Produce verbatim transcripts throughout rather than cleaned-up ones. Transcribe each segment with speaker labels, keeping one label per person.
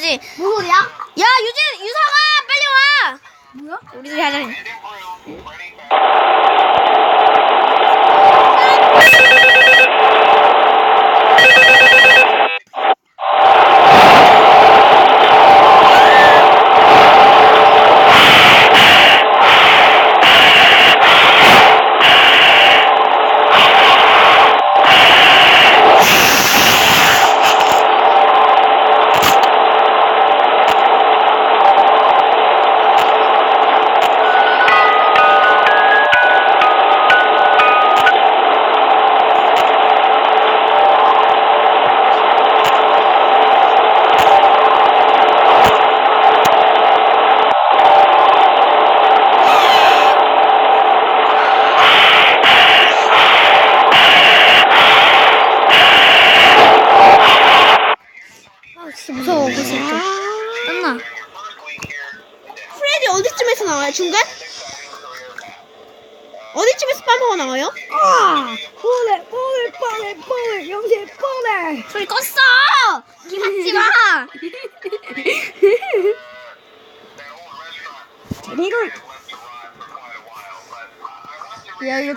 Speaker 1: 해야지.
Speaker 2: 무슨 소리야?
Speaker 1: 야 유진 유성아 빨리 와.
Speaker 2: 뭐야?
Speaker 1: 우리들이 하자. 진짜 무서워. 벌써 땀나.
Speaker 2: 프레디 어디쯤에서 나와요? 중간? 어디쯤에서 빰하고 나와요?
Speaker 3: 아! 뽀레 뽀레 뽀레 뽀레 영재 뽀레.
Speaker 1: 소리 껐어. 기받지 마.
Speaker 3: 이걸
Speaker 1: 야 이거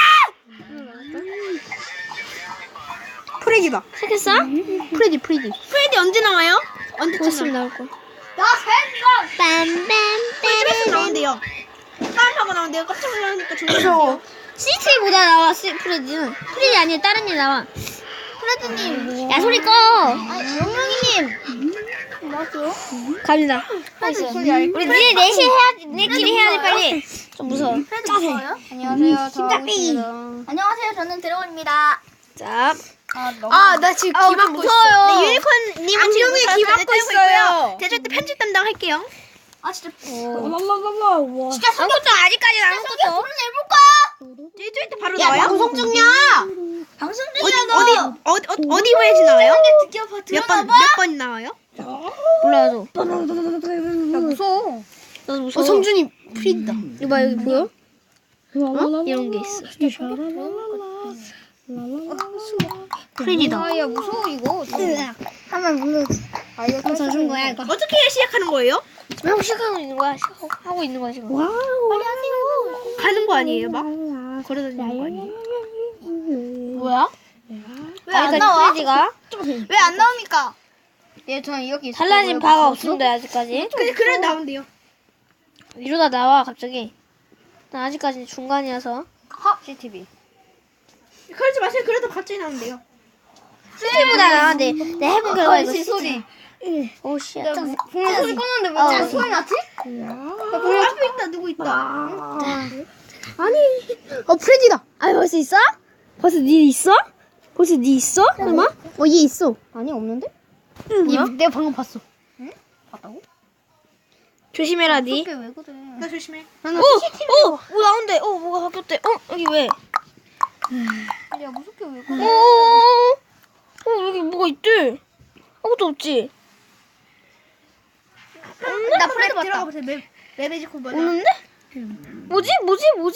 Speaker 2: 프레디다.
Speaker 1: 시켰어?
Speaker 2: 프레디 프레디. 프레디 언제 나와요? 언제쯤
Speaker 1: 있으면
Speaker 2: 나와요?
Speaker 1: 나올 거.
Speaker 2: 나 팬이다.
Speaker 1: 빰빰
Speaker 2: 쯤에서 나온대요. 빰하고 나온대요. 깜짝 놀라니까 무서워.
Speaker 1: 시티보다 나와. 시, 프레디는 프레디 아니야 다른 일 나와. 프레디님. 야 소리 꺼.
Speaker 2: 영영이님. 뭐하세요?
Speaker 1: 갑니다. 우리 니네 넷이 해야 니네끼리 해야지 빨리. 좀 무서워. 짜세.
Speaker 2: 안녕하세요.
Speaker 1: 심장삐.
Speaker 2: 안녕하세요. 저는 드래곤입니다.
Speaker 1: 자.
Speaker 2: 아, 나 지금
Speaker 1: 아,
Speaker 2: 귀 막고
Speaker 1: 무서워요.
Speaker 2: 있어. 네, 유니콘님은 지금 귀 막고 있어요. 제가 절대 편집 담당할게요. 아, 진짜.
Speaker 3: 랄랄랄라 와.
Speaker 2: 진짜
Speaker 1: 아무것도 아직까지는 아무것도.
Speaker 2: 손을 내볼까? 저희 때 바로 나와요? 방송 중이야. 방송 중이야. 어디 어디 어디 어디 보야지 나와요? 몇 번 몇 번 나와요?
Speaker 1: 몰라요.
Speaker 2: 야, 무서워.
Speaker 1: 나도 무서워.
Speaker 2: 어, 성준이 프리다.
Speaker 1: 이거 봐 여기 보여?
Speaker 3: 랄랄랄라.
Speaker 1: 이런 게 있어.
Speaker 2: 프리다.
Speaker 3: 아, 야 무서워 이거.
Speaker 1: 한번 무서워.
Speaker 3: 아, 이거
Speaker 1: 더 준 거야 이거.
Speaker 2: 어떻게 시작하는 거예요?
Speaker 1: 왜 시작하고 있는 거야? 시작하고 있는 거야 지금.
Speaker 3: 와우.
Speaker 2: 가는 거 아니에요, 막? 걸어다니는 거 아니에요?
Speaker 3: 뭐야?
Speaker 2: 왜 안 나와?
Speaker 1: 프레디가
Speaker 2: 왜 안 나옵니까?
Speaker 3: 예, 저는 여기
Speaker 1: 달라진 바가 없습니다 아직까지.
Speaker 2: 근데 그래 나온대요.
Speaker 1: 이러다 나와 갑자기. 나 아직까지 중간이어서.
Speaker 3: 씨티비.
Speaker 2: 그러지 마세요. 그래도 갑자기 나온대요.
Speaker 1: 시티보다 나은데 내 해본 결과 이거
Speaker 3: 씨 소리.
Speaker 1: 오 씨.
Speaker 3: 분명 소리 껐는데 왜
Speaker 1: 어.
Speaker 3: 자꾸 소리 났지?
Speaker 2: 야, 앞에 있다. 누구 있다.
Speaker 1: 아니. 어 프레디다. 아 벌써 있어? 벌써 니 있어? 벌써 니 있어? 설마? 어 얘 있어.
Speaker 3: 아니 없는데?
Speaker 1: 뭐야?
Speaker 3: 내가 방금 봤어. 응? 봤다고?
Speaker 1: 조심해라 니.
Speaker 3: 이게 왜 그래?
Speaker 2: 나 조심해.
Speaker 1: 오! 오! 뭐 나온대. 어 뭐가 바뀌었대. 어 여기 왜?
Speaker 3: 야 무섭게 왜
Speaker 1: 오!
Speaker 3: 그래?
Speaker 1: 어 여기 뭐가 있대. 아무것도 없지.
Speaker 2: 나 프레디 들어가 보세요. 맵 맵에지코 뭐야?
Speaker 1: 없는데? 뭐지? 뭐지? 뭐지?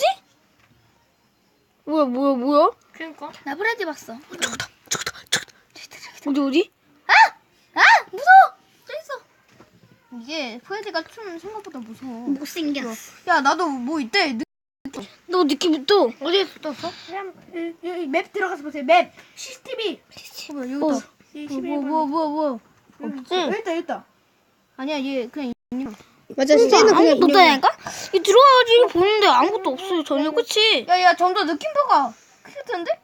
Speaker 1: 뭐야 뭐야 뭐야?
Speaker 2: 그러니까. 나 프레디 봤어.
Speaker 1: 저거다 저거다 저거다. 어디 어디?
Speaker 2: 아 무서워. 저기 있어.
Speaker 3: 이게 프레디가 좀 생각보다 무서워.
Speaker 2: 못생겼어.
Speaker 3: 야 나도 뭐 있대.
Speaker 1: 너 느낌부터
Speaker 3: 어디에 떴어?
Speaker 2: 여기 맵 들어가서 보세요. 맵. 씨씨티비.
Speaker 3: 뭐야 여기
Speaker 1: 어.
Speaker 3: 있다. 뭐 뭐 뭐 뭐.
Speaker 2: 없지? 여기 있다. 여기 있다.
Speaker 3: 아니야 얘 그냥
Speaker 2: 맞아.
Speaker 1: 진짜 아무것도 없다니까? 이 들어가야지 이거 보는데 아무것도 없어요 전혀. 그치?
Speaker 3: 야야 점점 느낌표가 클 텐데?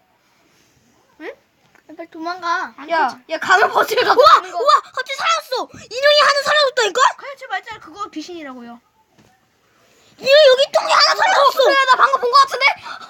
Speaker 2: 빨리 도망가.
Speaker 3: 야, 야 가면 버스를 갖고
Speaker 1: 우와!
Speaker 3: 가는 거.
Speaker 1: 우와! 갑자기 살았어! 인형이 하나 사라졌다니까?
Speaker 2: 그래 저 말잖아. 그거 귀신이라고요.
Speaker 1: 인형이 여기 똥이 하나 사라졌어!
Speaker 3: 그래 나 방금 본 거 같은데?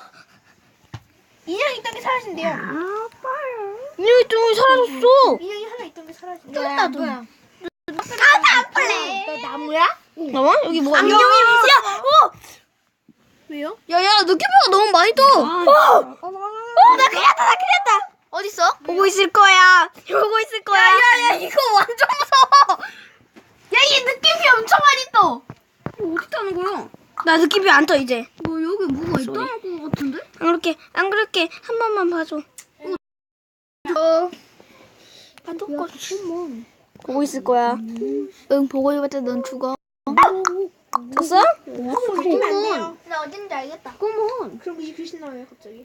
Speaker 2: 인형이 있던 게 사라진대요.
Speaker 1: 인형이 똥이 사라졌어!
Speaker 2: 인형이 하나 있던 게 사라진대.
Speaker 3: 또 있다 또.
Speaker 2: 안 팔래. 너 나무야?
Speaker 1: 나와? 여기 뭐가 있냐?
Speaker 2: 안경이
Speaker 1: 야! 어!
Speaker 2: 왜요?
Speaker 3: 야야 느낌표가 너무 많이 떠.
Speaker 1: 어! 어! 나 큰일났다! 나 큰일났다!
Speaker 2: 어딨어?
Speaker 1: 보고 있을 거야! 보고 있을 거야!
Speaker 3: 야야 이거 완전 무서워.
Speaker 2: 야, 얘 느낌이 엄청 많이 떠.
Speaker 3: 이거 어떻게 하는 거야?
Speaker 1: 나 느낌이 안 떠 이제.
Speaker 3: 뭐 여기 뭐가 있다는 거 같은데?
Speaker 1: 안 그럴게 안 그럴게 한 번만 봐줘.
Speaker 2: 어.
Speaker 1: 아 똑같이. 보고 있을 거야.
Speaker 3: 응, 보고 있을 넌 죽어.
Speaker 1: 졌어?
Speaker 2: 바뀌면 안 돼요.
Speaker 3: 나 어딘지 알겠다.
Speaker 1: 그러면.
Speaker 2: 그럼 이제 귀신 나와요 갑자기.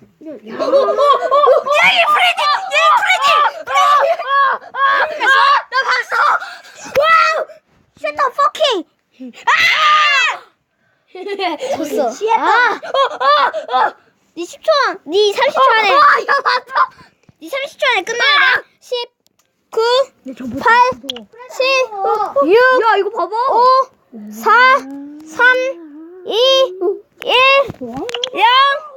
Speaker 1: 쉣더 퍼킹! 졌어. 아! 니 십 초 안, 니 삼십 초 안에. 니 삼십 초 안에 끝나야 돼. 십, 구, 팔, 칠, 육,
Speaker 3: 야, 이거 봐봐.
Speaker 1: 오, 사, 삼, 이, 일, 영.